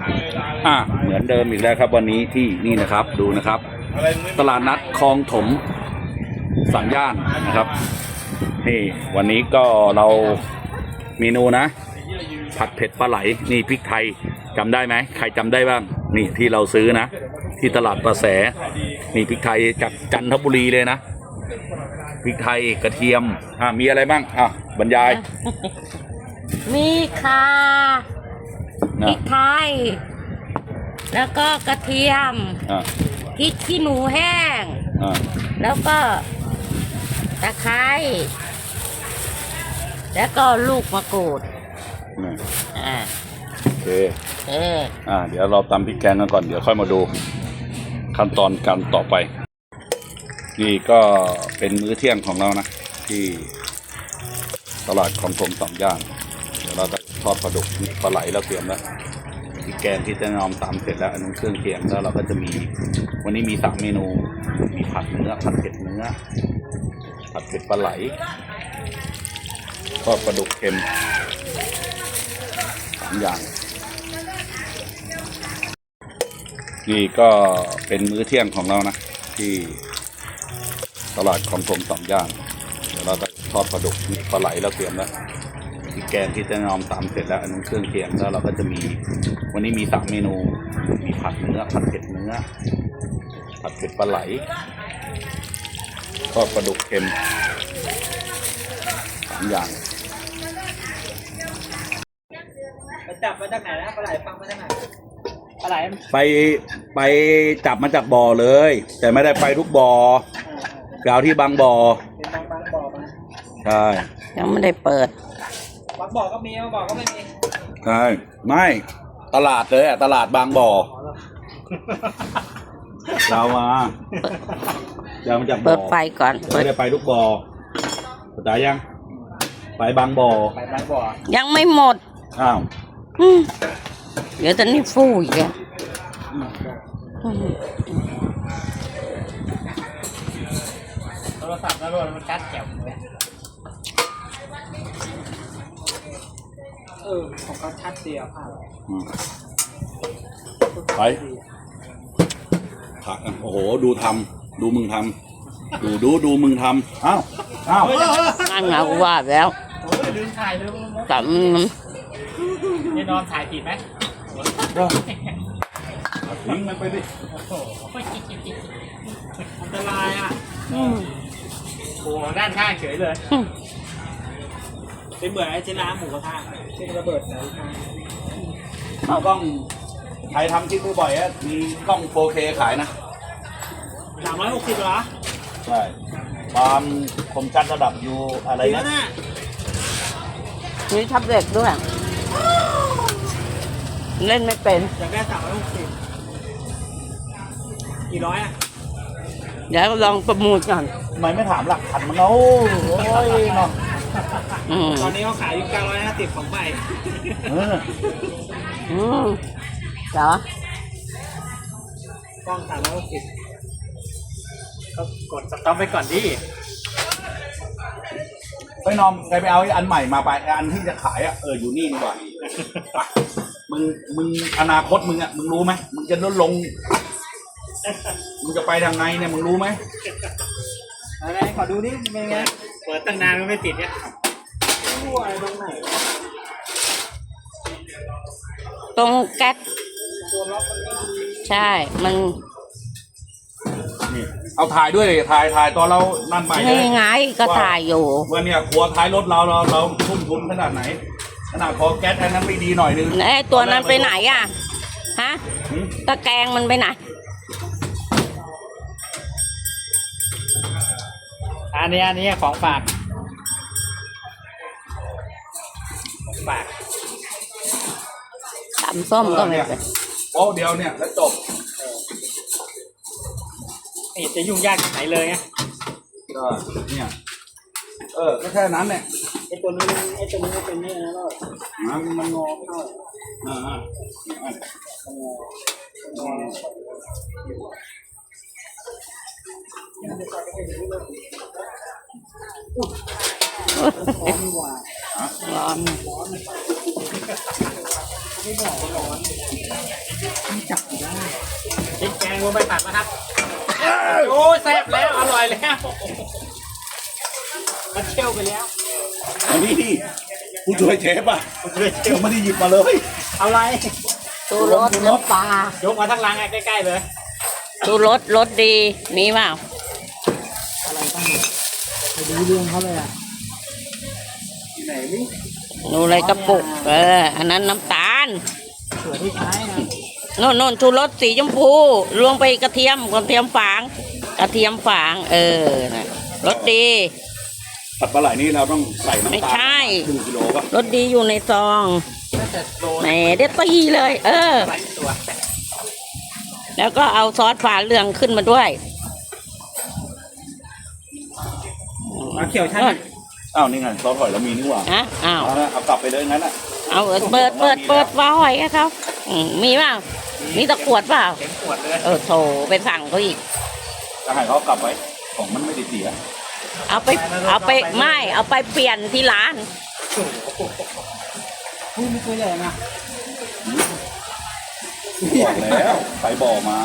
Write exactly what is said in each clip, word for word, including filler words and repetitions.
อ่ะเหมือนเดิมอีกแล้วครับวันนี้ที่นี่นะครับดูนะครับตลาดนัดคลองถมสัญญาณนะครับนี่วันนี้ก็เราเมนูนะผัดเผ็ดปลาไหลนี่พริกไทยจำได้ไหมใครจำได้บ้างนี่ที่เราซื้อนะที่ตลาดประแสนี่พริกไทยจากจันทบุรีเลยนะพริกไทยกระเทียมอ่ะมีอะไรบ้างอ่ะบรรยายมีข่าพริกไทยแล้วก็กระเทียมพริกขี้หนูแห้งแล้วก็ตะไคร้แล้วก็ลูกมะกรูดอ่าโอเคเอออ่าเดี๋ยวเราตำพริกแกงกันก่อนเดี๋ยวค่อยมาดูขั้นตอนการต่อไปนี่ก็เป็นมื้อเที่ยงของเรานะที่ตลาดคลองถมสามย่านเดี๋ยวเราจะทอดปลาดุกมีปลาไหลเราเตรียมแล้วพริกแกงที่จะนอมตำเสร็จแล้วอันนั้นเครื่องเคียงแล้วเราก็จะมีวันนี้มีสามเมนูมีผัดเนื้อผัดเผ็ดเนื้อผัดเผ็ดปลาไหลทอดปลาดุกเค็มสามอย่างนี่ก็เป็นมื้อเที่ยงของเรานะที่ตลาดคลองถมสามย่านเดี๋ยวเราจะทอดปลาดุกมีปลาไหลเราเตรียมแล้วพริกแกงที่จะนอมตำเสร็จแล้วอันนั้นเครื่องเคียงแล้วเราก็จะมีวันนี้มีสามเมนูมีผัดเนื้อผัดเผ็ดเนื้อผัดเผ็ดปลาไหลทอดปลาดุกเค็มสามอย่างไปจับมาจากไหนนะปลาไหลฟังมาจากไหนปลาไหลไปไปจับมาจากบ่อเลยแต่ไม่ได้ไปทุกบ่อไปเอาที่บางบ่อเป็นบางบางบ่อมาใช่ยังไม่ได้เปิดบางบ่อก็มีบางบ่อก็ไม่มีใช่ไม่ตลาดเลยอ่ะตลาดบางบ่อเรามาเดี๋ยวมาจากบ่อเปิดไฟก่อนไม่ได้ไปทุกบ่อเข้าใจยังไปบางบ่อไปบางบ่อยังไม่หมดอ้าวเดี๋ยวตอนนี้ฟูอีกอ่ะโทรศัพท์แล้วด้วยมันชัดแจ๋วเลยเออของเขาชัดเดียวค่ะไปผักโอ้โหดูทำดูมึงทำดูดูดูมึงทำอ้าวอ้าวนั่นไงกูว่าแล้วลืมถ่ายลืมแต่นี่นอนถ่ายผิดไหมทิ้งมันไปดิอันตรายอ่ะโอ้ด้านข้างเฉยเลยเป็นเหมือนไอ้เจน้ำหมูกระทะที่ระเบิดใส่ข้างเอากล้องใครทำคลิปบ่อยๆอ่ะมีกล้อง โฟร์เค ขายนะสามร้อยหกสิบเหรอใช่ความคมชัดระดับอยู่อะไรนะมีทับเด็กด้วยเล่นไม่เป็นอยากได้สามร้อยหกสิบกี่ร้อยอ่ะเดี๋ยวลองประมูลก่อนทำไมไม่ถามหลักพันมันเอาโอ้ยเนาะตอนนี้เขาขายอยู่เก้าร้อยห้าสิบของใหม่อืมเหรอกล้องสามร้อยหกสิบก็กดสต็อปไปก่อนดิไปนอมใครไปเอาอันใหม่มาไปอันที่จะขายอ่ะเอออยู่นี่ดีกว่ามึงมึงอนาคตมึงอ่ะมึงรู้ไหมมึงจะลดลงมึงจะไปทางไหนเนี่ยมึงรู้ไหมอะไรขอดูนี่เป็นไงเปิดตั้งนานก็ไม่ติดเนี่ยรั่วอะไรตรงไหนตรงแก๊สใช่มันเอาถ่ายด้วยถ่ายถ่ายตอนเรานั่นไปนี่ไงก็ถ่ายอยู่ว่าเนี่ยครัวท้ายรถเราเราเราทุ่มทุนขนาดไหนขนาดพอแก๊สอันนั้นไม่ดีหน่อยนึงไอ้ตัวนั้นไปไหนอ่ะฮะตะแกรงมันไปไหนอันนี้อันนี้ของฝากของฝากตำส้มก็ไม่เป็นโอ้เดียวเนี่ยแล้วจบนี่จะยุ่งยากไหนเลยไงก็เนี่ยเออก็แค่นั้นเนี่ยไอ้ตัวนี้ไอ้ตัวนี้เป็นนี่นะลูกมันมันงอเข้าอ่าอ่าร้อนร้อนไม่บอกร้อนมือไปตัดนะครับโอ้แซ่บแล้วอร่อยแล้วมันเชี่ยวไปแล้วอันนี้ที่ผู้ช่วยเชฟอ่ะผมเลยเชี่เดี๋ยยว วไม่ได้หยิบมาเลยเอาอะไรชูรสน้ำปลายกมาทั้งรังใกล้ๆเลยชูรสรสดี มีเปล่าอะไรบ้างไปดูเรื่องเขาเลยอ่ะที่ไหนนี่ดูอะไรกระปุก เออ อันนั้นน้ำตาลส่วนที่ท้ายนะโน่นโน่นชูรสสีชมพูรวงไปกระเทียมกระเทียมฝาง กระเทียมฝาง เออนะรสดีผัดปลาไหลนี่เราต้องใส่น้ำตาลไม่ใช่ครึ่งกิโลป่ะรสดีอยู่ในซองน่าจะโลแหมได้ตีเลย เออหลายตัวแล้วก็เอาซอสฝาเหลืองขึ้นมาด้วยมาเขียวชั้นอ้าวนี่ไงซอสหอยเรามีนี่หว่าฮะอ้าวเอาละเอากลับไปเลยงั้นอ่ะเอาเปิดเปิดเปิดฝาหอยให้เขาอืมมีเปล่ามีตะขวดเปล่าเข็มขวดเลยเออโถไปสั่งเขาอีกจะให้เขากลับไว้ของมันไม่ได้เสียเอาไปเอาไปไม่เอาไปเปลี่ยนที่ร้านพูดไม่เคยเลยนะบอกแล้วไปบ่อมา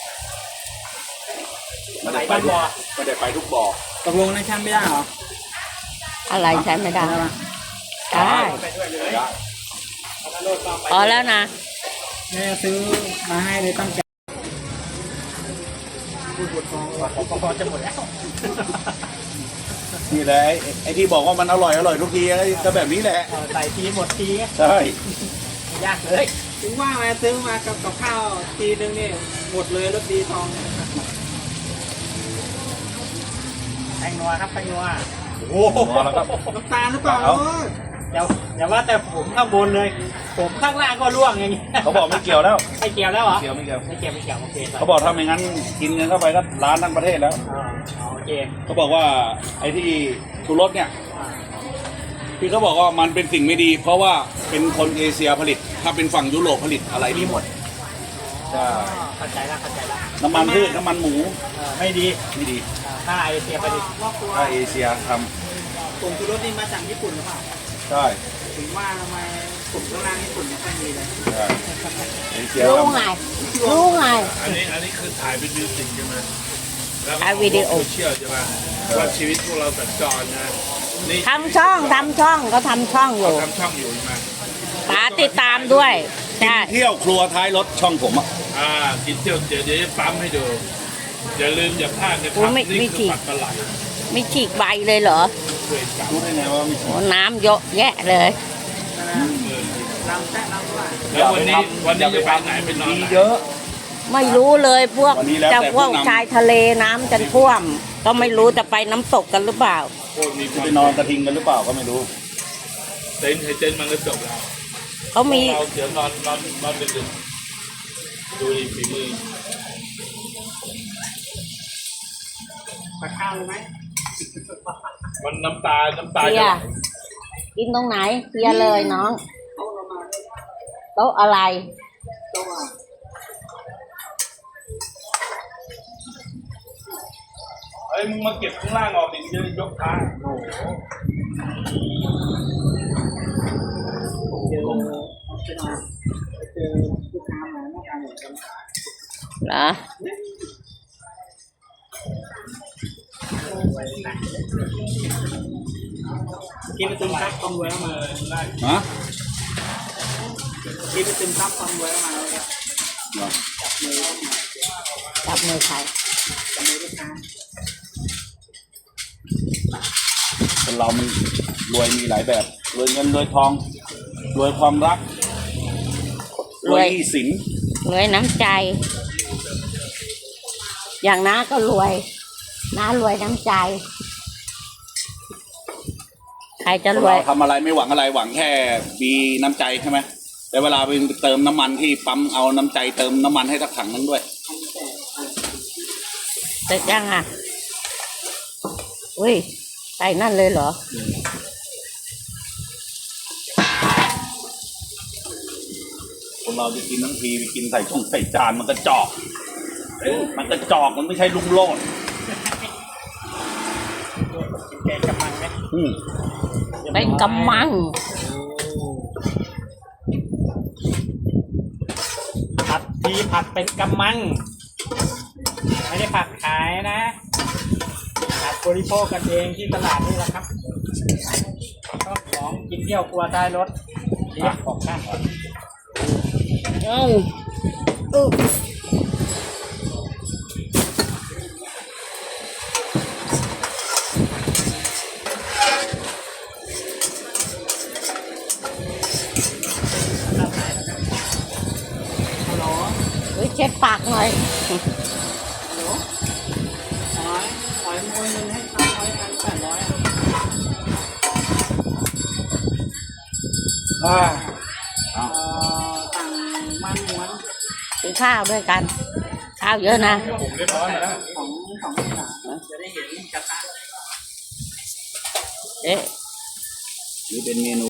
ไม่ไหลได้ไปบ้านทุกบ่อไม่ได้ไปทุกบ่อตกลงในชั้นไม่ได้เหรออะไรใช้ไม่ได้ได้ปะได้ไปด้วยเลยได้พอแล้วนะแม่ซื้อมาให้เลยตั้งใจพูดบทฟองพอจะหมดแล้วนี่แหละไอ้ไอ้ที่บอกว่ามันอร่อยอร่อยทุกทีไอ้ก็แบบนี้แหละใส่ทีหมดทีใช่ยากเลยถึงว่ามาซื้อมากับกับข้าวทีนึงนี่หมดเลยรถดีทองแตงนัวครับแตงนัวโอ้โหแล้วก็น้ำตาลหรือเปล่าเอาเดี๋ยวอย่าว่าแต่ผมข้างบนเลย ผมข้างล่างก็ร่วงอย่างนี้เขาบอกไม่เกี่ยวแล้วไม่เกี่ยวแล้วเหรอเกี่ยวไม่เกี่ยวไม่เกี่ยวไม่เกี่ยวโอเคเขาบอกถ้าไม่งั้นกินเงินเข้าไปก็ร้านทั้งประเทศแล้วอ่าโอเคเขาบอกว่าไอ้ที่ชูรสเนี่ยอ่าพี่เขาบอกว่ามันเป็นสิ่งไม่ดี เพราะว่าเป็นคนเอเชียผลิต ถ้าเป็นฝั่งยุโรปผลิตอะไรดีหมดใช่เข้าใจแล้วเข้าใจแล้วน้ำมันพืชน้ำมันหมูเออไม่ดีไม่ดีอ่าถ้าไอเสียไปดิถ้าเอเชียทผงชูรสนี่มาจากญี่ปุ่นหรือเปล่าำใช่ถึงว่าทำไมกลุ่มข้างล่างญี่ปุ่นไม่ค่อยมีเลยใช่เอเชียรู้ทำไง รู้ไงอันนี้อันนี้คือถ่ายเป็นมิวสิกใช่ไหมแล้วก็ถ่ายวิดีโอเชียลใช่ไหมว่าชีวิตพวกเราสัญจรนะนี่ทำช่องทำช่องก็ทำช่องอยู่ทำช่องอยู่ใช่ไหมป๋าติดตามด้วยใช่เที่ยวครัวท้ายรถช่องผมอ่ะอ่ากินเที่ยวเดี๋ยวเดี๋ยวจะปั๊มให้ดูอย่าลืมอย่าพลาดนะคโอ้รับไม่นี่ไม่คืฉีอก ปักปลาไหลไม่ฉีกใบเลยเหรอช่วยกันรู้ได้ไงว่ามีโอ้น้ำเยอะแยะเลยน้ำแท้น้ำว่าแล้ววันนี้วันนี้จะไปไหนไปนอนมีไหนเยอะไม่รู้เลยพวกวันนี้แล้วแต่จะพวกผู้นำชายทะเลน้ำจะท่วม ก็ไม่รู้จะไปน้ำตกกันหรือเปล่าโคตรมีคจะวามไปนอนกระทิงกันหรือเปล่าก็ไม่รู้เต้นให้เต้นมันก็จบแล้วเขามีเราเดี๋ยวนอนนอนนอนดึกๆดูดิฝีมือปลาข้าวเลยไหมมันน้ำตา น้ำตาเพีจะยไหลกินตรงไหนเพียเลยน้องเขาเรามาโต๊ะอะไรตัวเฮ้ยมึงมาเก็บข้างล่างออกดิจะยกขาโอ้โหเจอจะมาเจอลูกค้ามาหน้าตาเหมือนกันเหรอกินไปตึมครับความรวยแล้วมาฮะกินไปตึมครับความรวยแล้วมาเลยเหรอจับมือใครจับมือลูกค้าคนเรามันรวยมีหลายแบบรวยเงินรวยทองรวยความรักรวยหนี้สินรวยน้ำใจ อย่างน้าก็รวย น้ารวยน้ำใจ ใครจะคนรวยเราทำอะไรไม่หวังอะไรหวังแค่มีน้ำใจใช่ไหมแต่เวลาไปเติมน้ำมันที่ปั๊มเอาน้ำใจเติมน้ำมันให้สักถังนึงด้วยเสร็จยังอ่ะ อุ้ยใส่นั่นเลยเหรอคนเราจะกินทั้งทีไปกินใส่ช่องใส่จานมันก็จอก มันก็จอกมันไม่ใช่ลุงโลดแกกำลังไหมอืมเป็นกำมังผัดทีผัดเป็นกำมังไม่ได้ผักขายนะผักบริโภคกันเองที่ตลาดนี่แหละครับก็ของกินเที่ยวครัวท้ายรถเรียกของข้างก่อนเอาอู้ฮัลโหลเฮ้ยเช็ดปากหน่อยฮัลโหลหอยหอยมวยเงินให้สามร้อยพันแปดร้อยอ่าเอ่อสั่งมันม้วนกินข้าวด้วยกัน ข้าวเยอะนะผมเรียบร้อยแล้วของของที่สามจะได้เห็นกระทะเอ๊ะนี่เป็นเมนู